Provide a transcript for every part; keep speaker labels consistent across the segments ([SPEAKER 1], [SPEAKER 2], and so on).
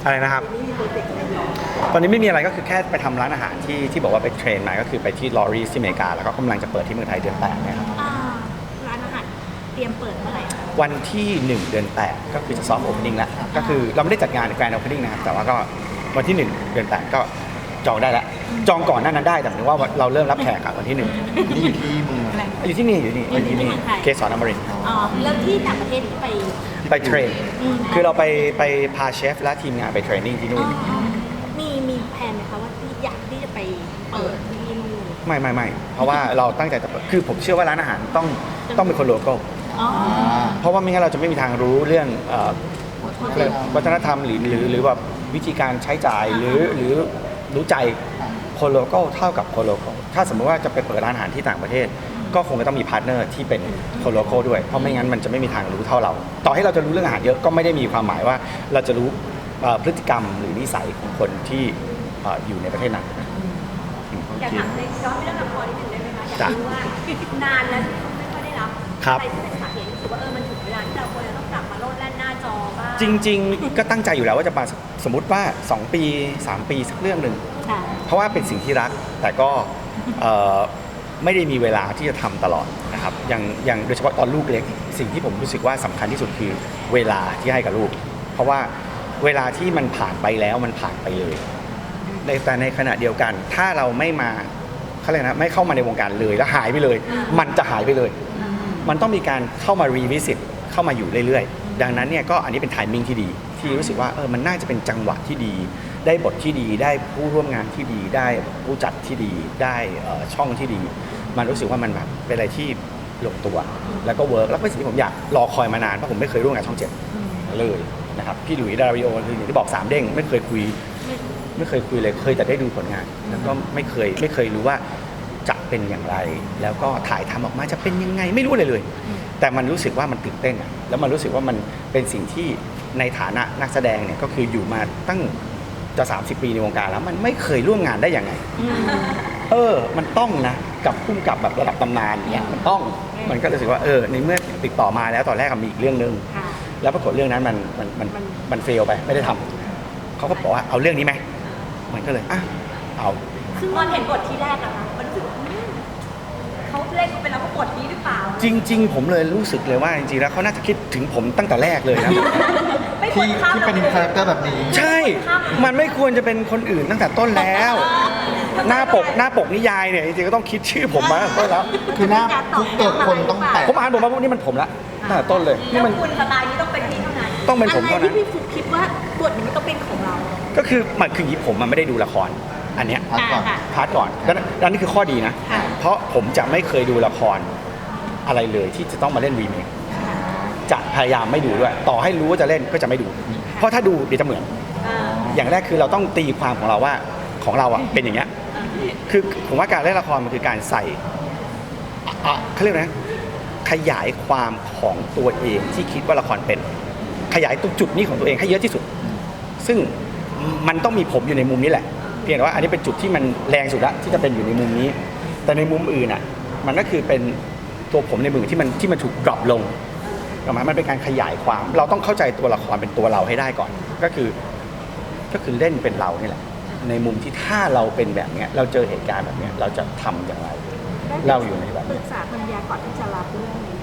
[SPEAKER 1] อะไรนะครับตอนนี้ไม่มีอะไรก็คือแค่ไปทำร้านอาหารที่บอกว่าไปเทรนมาก็คือไปที่ลอรีที่อเมริกาแล้วก็กำลังจะเปิดที่เมืองไทยเดือน8เนี่ยครับ
[SPEAKER 2] ร้านอาหารเตรียมเปิดเมื่อไหร่คะ
[SPEAKER 1] วันที่1เดือน8ก็คือจะซอฟต์โอเพนนิ่งแล้วก็คือเราไม่ได้จัดงานแกรนด์โอเพนนิ่งนะครับแต่ว่าก็วันที่1เดือน8ก็จองได้แล้วจองก่อนหน้านั้นได้แต่หมายถึงว่าเราเริ่มรับแขกวันที่1
[SPEAKER 3] นี่อยู่ที่เมือง
[SPEAKER 1] อยู่ที่นี่เกสรอมรินทร์
[SPEAKER 2] แล้วที่ต่างประเทศ
[SPEAKER 1] ไปเทรนคือเราไปพาเชฟและทีมงานไปเทรนนิ่งที่นู่น
[SPEAKER 2] มีแผนไหมคะว่าอยากที่จะไปเปิดที่นู่น
[SPEAKER 1] ไม่เพราะว่าเราตั้งใจจะเปิดคือผมเชื่อว่าร้านอาหารต้องเป็นคนโลคอลเพราะว่าไม่งั้นเราจะไม่มีทางรู้เรื่องวัฒนธรรมหรือแบบวิธีการใช้จ่ายหรือรู้ใจคนโลคอลเท่ากับคนโลคอลถ้าสมมติว่าจะไปเปิดร้านอาหารที่ต่างประเทศก็คงจะต้องมีพาร์ทเนอร์ที่เป็นคนโลคอลด้วยเพราะไม่งั้นมันจะไม่มีทางรู้เท่าเราต่อให้เราจะรู้เรื่องอาหารเยอะก็ไม่ได้มีความหมายว่าเราจะรู้พฤติกรรมหรือนิสัยของคนที่อยู่ในประเทศนั้น
[SPEAKER 2] อยากถามในย้อนไปเรื่องละครนิดนึงได้ไหมคะอยากรู้ว่านานแล้วที่ไม่ค่อยได้รับอะไรที่เป็นสาเหตุรู้สึกว่ามันถึงเวลาที่เราควรจะต้องกลับมาโลดแล่นหน้าจอบ้าง
[SPEAKER 1] จริงๆก็ตั้งใจอยู่แล้วว่าจะมาสมมติว่า2 ปี3 ปีสักเรื่องหนึ่งเพราะว่าเป็นสิ่งที่รักแต่ก็ไม่ได้มีเวลาที่จะทำตลอดนะครับอย่างโดยเฉพาะตอนลูกเล็กสิ่งที่ผมรู้สึกว่าสำคัญที่สุดคือเวลาที่ให้กับลูกเพราะว่าเวลาที่มันผ่านไปแล้วมันผ่านไปเลยแต่ในขณะเดียวกันถ้าเราไม่มาเขาเรียกนะไม่เข้ามาในวงการเลยแล้วหายไปเลยมันจะหายไปเลยมันต้องมีการเข้ามารีวิสิตเข้ามาอยู่เรื่อยๆดังนั้นเนี่ยก็อันนี้เป็นไทมิ่งที่ดีที่รู้สึกว่ามันน่าจะเป็นจังหวะที่ดีได้บทที่ดีได้ผู้ร่วมงานที่ดีได้ผู้จัดที่ดีได้ช่องที่ดีมันรู้สึกว่ามันแบบเป็นอะไรที่ลงตัวแล้วก็เวิร์กแล้วเป็นสิ่งที่ผมอยากรอคอยมานานเพราะผมไม่เคยร่วมงานช่อง7เลยนะครับพี่หลุยส์ดาริโอคืออย่างที่บอก3เด้งไม่เคยคุยเลยเคยแต่ได้ดูผลงานแล้วก็ไม่เคยรู้ว่าจะเป็นอย่างไรแล้วก็ถ่ายทำออกมาจะเป็นยังไงไม่รู้เลยแต่มันรู้สึกว่ามันตื่นเต้นแล้วมันรู้สึกว่ามันเป็นสิ่งที่ในฐานะนักแสดงเนี่ยก็คืออยู่มาตั้งจะ30 ปีในวงการแล้วมันไม่เคยร่วมงานได้ยังไงมันต้องนะกับพุ่มกับแบบระดับตำนานเนี่ยมันก็รู้สึกว่าในเมื่อติดต่อมาแล้วตอนแรกมีอีกเรื่องนึงแล้วปรากฏเรื่องนั้นมันเฟลไปไม่ได้ทำเขาก็บอกว่าเอาเรื่องนี้ไหมมันก็เลยเอา
[SPEAKER 2] ซึ่งตอนเห็นบทที่แรกนะคะมันรู้สึกเขาเล่นเป็นแล้วก็บทนี้หรือเปล่า
[SPEAKER 1] จริงๆผมเลยรู้สึกเลยว่าจริงๆแล้วเขาน่าจะคิดถึงผมตั้งแต่แรกเลยนะ
[SPEAKER 3] ที่เป็นคาแรคเตอร์แบบนี้
[SPEAKER 1] ใช่มันไม่ควรจะเป็นคนอื่นตั้งแต่ต้นแล้วหน้าปกนิยายเนี่ยจริงๆก็ต้องคิดชื่อผมมาตั้งแต่ต้นแล้ว
[SPEAKER 3] คือหน้าทุกตัวคนต้องแปะ
[SPEAKER 1] ผมอ่านบทมาพวกนี้มันผมละตั้งแต่ต้นเลย
[SPEAKER 2] นี่มันคุณสไตล์นี้ต้องเป็นพี่เท่านั้น
[SPEAKER 1] ต้องเป็นผมเท่านั้น
[SPEAKER 2] ที่พี่ฟุกคิดว่าบทนี้ต้องเป็นของเรา
[SPEAKER 1] ก็คือมันคือผมมันไม่ได้ดูละครอันเนี้ยพาร์ทก่อนแล้วนี่คือข้อดีนะเพราะผมจะไม่เคยดูละครอะไรเลยที่จะต้องมาเล่นรีเมคจะพยายามไม่ดูด้วยต่อให้รู้ว่าจะเล่นก็จะไม่ดูเพราะถ้าดูเดี๋ยวจะเหมือนอย่างแรกคือเราต้องตีความของเราว่าของเราเป็นอย่างเงี้ยคือผมว่าการเล่นละครมันคือการใส่เขาเรียกนะขยายความของตัวเองที่คิดว่าละครเป็นขยายตรงจุดนี้ของตัวเองให้เยอะที่สุดซึ่งมันต้องมีผมอยู่ในมุมนี้แหละเพียงแต่ว่าอันนี้เป็นจุดที่มันแรงสุดละที่จะเป็นอยู่ในมุมนี้แต่ในมุมอื่นมันก็คือเป็นตัวผมในมือที่มันถูกดรอปลงมันเป็นการขยายความเราต้องเข้าใจตัวละครเป็นตัวเราให้ได้ก่อนก็คือเล่นเป็นเรานี่แหละในมุมที่ถ้าเราเป็นแบบนี้เราเจอเหตุการณ์แบบนี้เราจะทำอย่างไรเราอยู่ในแบบ
[SPEAKER 2] ปรึกษาภรรยาก่อนที่จะรับเรื่องนี้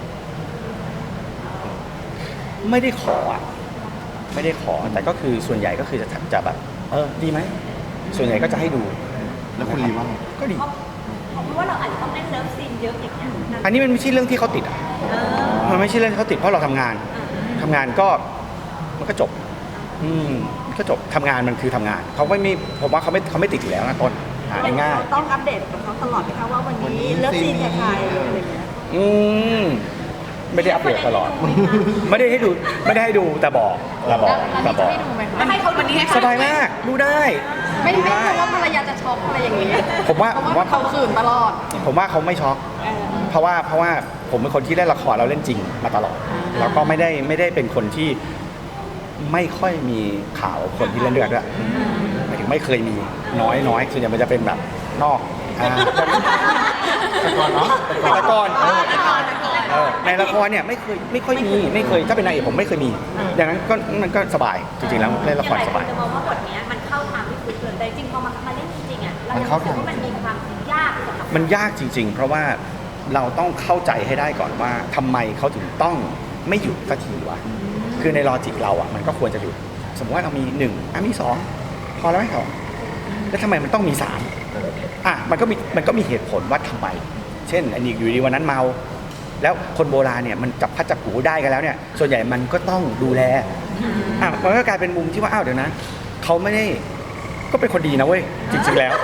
[SPEAKER 1] ไม่ได้ขอแต่ก็คือส่วนใหญ่ก็คือจะแบบดีไหมส่วนใหญ่ก็จะให้ดู
[SPEAKER 3] แล้วคุณรีว่า
[SPEAKER 1] ก็ดี
[SPEAKER 2] เพราะว่าเราอาจจะต้องเล่นเลิฟซีนเยอะอย่างเงี้ย
[SPEAKER 1] อันนี้มันไม่ใช่เรื่องที่เขาติดมันไม่ใช่เรื่องที่เขาติดเพราะเราทำงานก็มันก็จบก็จบทำงานมันคือทำงานเขาไม่ผมว่าเขาไม่ติดอยู่แล้วนะต้นง่าย
[SPEAKER 2] ต้องอัปเดตกับเขาตลอดไหมคะว่าวันนี้เลิฟซีนกับใครอะไรอย่างเงี้ย
[SPEAKER 1] ไม่ได้อัปเดตตลอดไม่ได้ให้ดูแต่บอก
[SPEAKER 2] ให้เขาวันนี้
[SPEAKER 1] สบายมากดูได้
[SPEAKER 2] ไม่กลัวว่าภรรยาจะช็อกอะไรอย่างเงี้ย
[SPEAKER 1] ผมว่า
[SPEAKER 2] เขาขืนตลอด
[SPEAKER 1] ผมว่าเขาไม่ช็อกเพราะว่าผมเป็นคนที่เล่นละครเราเล่นจริงมาตลอดแล้วก็ไม่ได้เป็นคนที่ไม่ค่อยมีข่าวคนที่เล่นเลือดด้วยหมายถึงไม่เคยมีน้อยส่วนใหญ่มันจะเป็นแบบนอกแต่ก่อนเนาะแต่ก่อนในละครเนี่ยไม่ค่อยมีไม่เคยถ้าเป็นนางเอกผมไม่เคยมีดังนั้นก็มันก็สบายจริงๆแล้วเล่นละครสบาย
[SPEAKER 2] จะมองว่าบทนี้มันเข้าทางที่คุณเลยแต่จริงพอมาเล่นจริงๆอ่ะเรารู้สึกว่ามันมีความยากสำหรับ
[SPEAKER 1] มันยากจริงๆ เพราะว่าเราต้องเข้าใจให้ได้ก่อนว่าทำไมเขาถึงต้องไม่หยุดสักทีวะคือในลอจิกเราอ่ะมันก็ควรจะหยุดสมมติว่าเรามี1มี2พอแล้วไหมครับแล้วทำไมมันต้องมี3มันก็มีเหตุผลว่าทำไมเช่นอันนี้อยู่ดีวันนั้นเมาแล้วคนโบราณเนี่ยมันจับพัดจับผูได้กันแล้วเนี่ยส่วนใหญ่มันก็ต้องดูแลมันก็กลายเป็นมุมที่ว่าเดี๋ยวนะเขาไม่ได้ก็เป็นคนดีนะเว้ยจริงๆแล้ว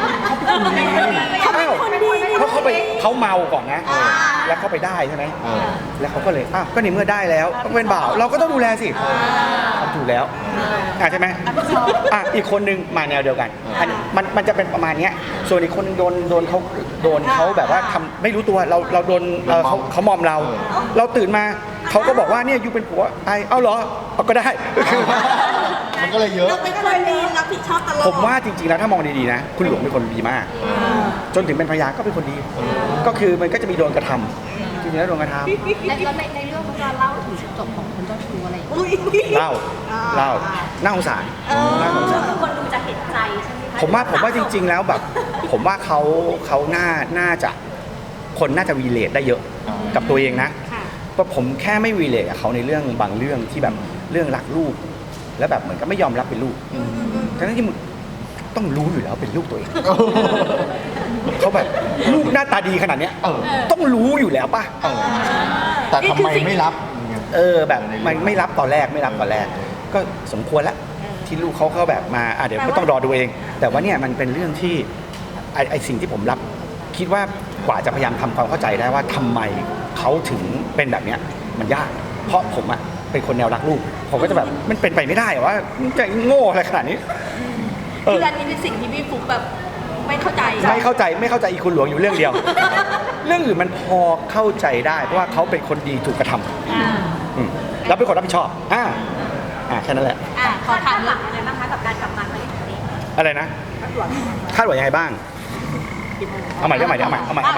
[SPEAKER 1] เพราะเขาเมาก่อนนะแล้วเขาไปได้ใช่ไหมแล้วเขาก็เลยก็ในเมื่อได้แล้วต้องเป็นบ่าวเราก็ต้องดูแลสิทำถูกแล้วใช่ไหมอีกคนนึงมาแนวเดียวกันมันจะเป็นประมาณนี้ส่วนอีกคนนึงโดนเขาแบบว่าทำไม่รู้ตัวเราโดนเขามอมเราตื่นมาเขาก็บอกว่าเนี่ยยูเป็นผัวเอาเหรอก็ได้คือ
[SPEAKER 3] มันก็เลยเยอะ
[SPEAKER 2] เราเป็นคนดีรับผิดชอบตลอด
[SPEAKER 1] ผมว่าจริงๆแล้วถ้ามองดีๆนะคุณหลวงเป็นคนดีมากจนถึงเป็นภรรยาก็เป็นคนดีก็คือมันก็จะมีโดนกระทำจริงๆแล้วโดนกระทำ
[SPEAKER 2] แล้วในเรื่องเขาจะเล่าถึงจุดจบของคนเจ้าชู้อะไร
[SPEAKER 1] เล่าน่าสงสาร
[SPEAKER 2] คือคนดูจะเห็นใจใช่ไหมคะ
[SPEAKER 1] ผมว่าจริงๆแล้วแบบผมว่าเขาน่าจะคนน่าจะวีเลทได้เยอะกับตัวเองนะเพราะผมแค่ไม่วีเลทกับเขาในเรื่องบางเรื่องที่แบบเรื่องรักลูกแล้วแบบเหมือนกับไม่ยอมรับเป็นลูกทั้งที่มึงต้องรู้อยู่แล้วเป็นลูกตัวเองเขาแบบลูกหน้าตาดีขนาดเนี้ยต้องรู้อยู่แล้วป่ะ
[SPEAKER 3] แต่ทำไมไม่รับ
[SPEAKER 1] แบบมันไม่รับตอนแรกก็สมควรแล้วที่ลูกเขาแบบมาเดี๋ยวก็ต้องรอดูเองแต่ว่าเนี่ยมันเป็นเรื่องที่ไอสิ่งที่ผมรับคิดว่ากว่าจะพยายามทำความเข้าใจได้ว่าทำไมเขาถึงเป็นแบบเนี้ยมันยากเพราะผมเป็นคนแนวรักลูกผมก็จะแบบมันเป็นไปไม่ได้ว่ามันจะโง่อะไรขนาดนี้
[SPEAKER 2] คืออันนี้เป็นสิ่งที่พี่ฟุ๊กแบบไม่เข้าใจ
[SPEAKER 1] อีคุณหลวงอยู่เรื่องเดียว เรื่องอื่นมันพอเข้าใจได้เพราะว่าเขาเป็นคนดีถูกกระทำแล้วเป็นคนรับผิดชอบแค่นั้นแหละ
[SPEAKER 2] ขอถามหลังอะไรบ้างคะกับการกลับมาครั้งนี้
[SPEAKER 1] อะไรนะคาดหวังยังไงบ้างเอาใหม่คาดหวังกลับ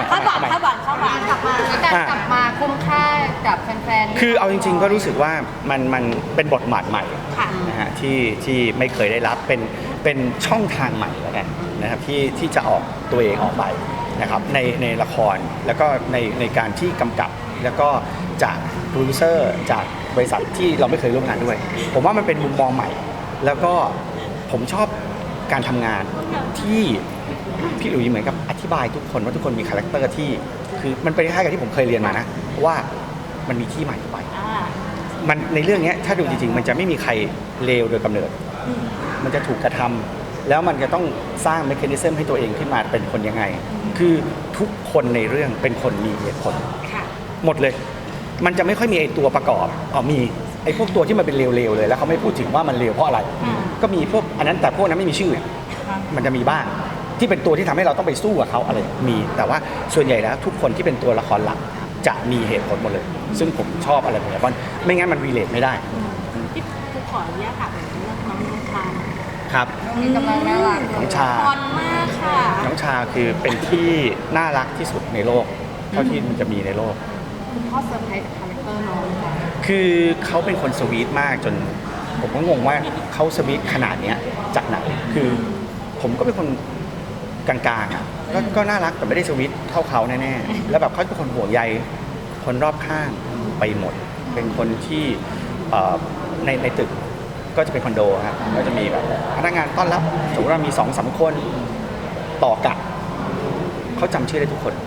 [SPEAKER 4] มาคุ้มค่ากับแฟน
[SPEAKER 1] ๆคือเอาจริงๆก็รู้สึกว่ามันเป็นบทบาทใหม่นะฮะที่ไม่เคยได้รับเป็นช่องทางใหม่แล้วกันนะครับที่จะออกตัวเองออกไปนะครับในละครแล้วก็ในการที่กำกับแล้วก็จากโปรดิวเซอร์จากบริษัทที่เราไม่เคยร่วมงานด้วยผมว่ามันเป็นมุมมองใหม่แล้วก็ผมชอบการทำงานที่พี่หลุยส์เหมือนกับอธิบายทุกคนว่าทุกคนมีคาแรคเตอร์ที่คือมันเป็นคล้ายๆกับที่ผมเคยเรียนมานะว่ามันมีที่ใหม่ไปมันในเรื่องนี้ถ้าดูจริงๆมันจะไม่มีใครเลวโดยกำเนิดมันจะถูกกระทำแล้วมันจะต้องสร้างเมคานิซึมให้ตัวเองขึ้นมาเป็นคนยังไงคือทุกคนในเรื่องเป็นคนมีเหตุผลหมดเลยมันจะไม่ค่อยมีไอ้ตัวประกอบมีไอ้พวกตัวที่มันเป็นเลวๆเลยแล้วเขาไม่พูดถึงว่ามันเลวเพราะอะไรก็มีพวกอันนั้นแต่พวกนั้นไม่มีชื่อมันจะมีบ้างที่เป็นตัวที่ทำให้เราต้องไปสู้กับเขาอะไรมีแต่ว่าส่วนใหญ่แล้วทุกคนที่เป็นตัวละครหลักจะมีเหตุผลหมดเลยซึ่งผมชอบอะไรแบบนี้เพราะไม่งั้นมันรีเลทไม่ได้
[SPEAKER 2] ที่ผู้ขออนุญาตถามเรื่องน้องชา
[SPEAKER 1] ครับ
[SPEAKER 4] กำลังน่ารัก
[SPEAKER 1] น้องชา
[SPEAKER 2] อ่อนมากค่ะ
[SPEAKER 1] น้องชาคือเป็นที่น่ารักที่สุดในโลกเท่าที่มันจะมีในโลก
[SPEAKER 4] คุณพ่อเซอร์ไพรส์กับคาแรคเตอร์น้องค่ะ
[SPEAKER 1] คือเขาเป็นคนสวีทมากจนผมก็งงว่าเขาสวีทขนาดนี้จากไหนคือผมก็เป็นคนกลางๆก็น่ารักแต่ไม่ได้สวิตเท่าเขาแน่ๆแล้วแบบเขาเป็นคนห่วงใยคนรอบข้างไปหมดเป็นคนที่ในตึกก็จะเป็นคอนโดครับก็จะมีแบบพนักงานต้อนรับสมมติว่ามี 2-3 คนต่อกะเขาจำชื่อได้ทุกคน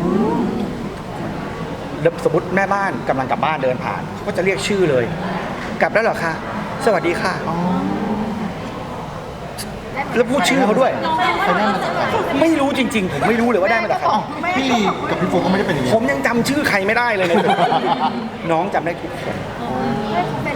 [SPEAKER 1] แล้วสมมติแม่บ้านกำลังกลับบ้านเดินผ่านเขาก็จะเรียกชื่อเลยกลับแล้วเหรอคะสวัสดีค่ะแล้วพูดชื่อเขาด้วยไม่รู้จริงๆผมไม่รู้เลยว่าได้มาจากใคร
[SPEAKER 3] พี่ลีกับพี่โฟก็ไม่ได้เป็นอย่างนี้
[SPEAKER 1] ผมยังจำชื่อใครไม่ได้เลยเนี่ยน้องจำได้ทุกคน
[SPEAKER 4] เป็น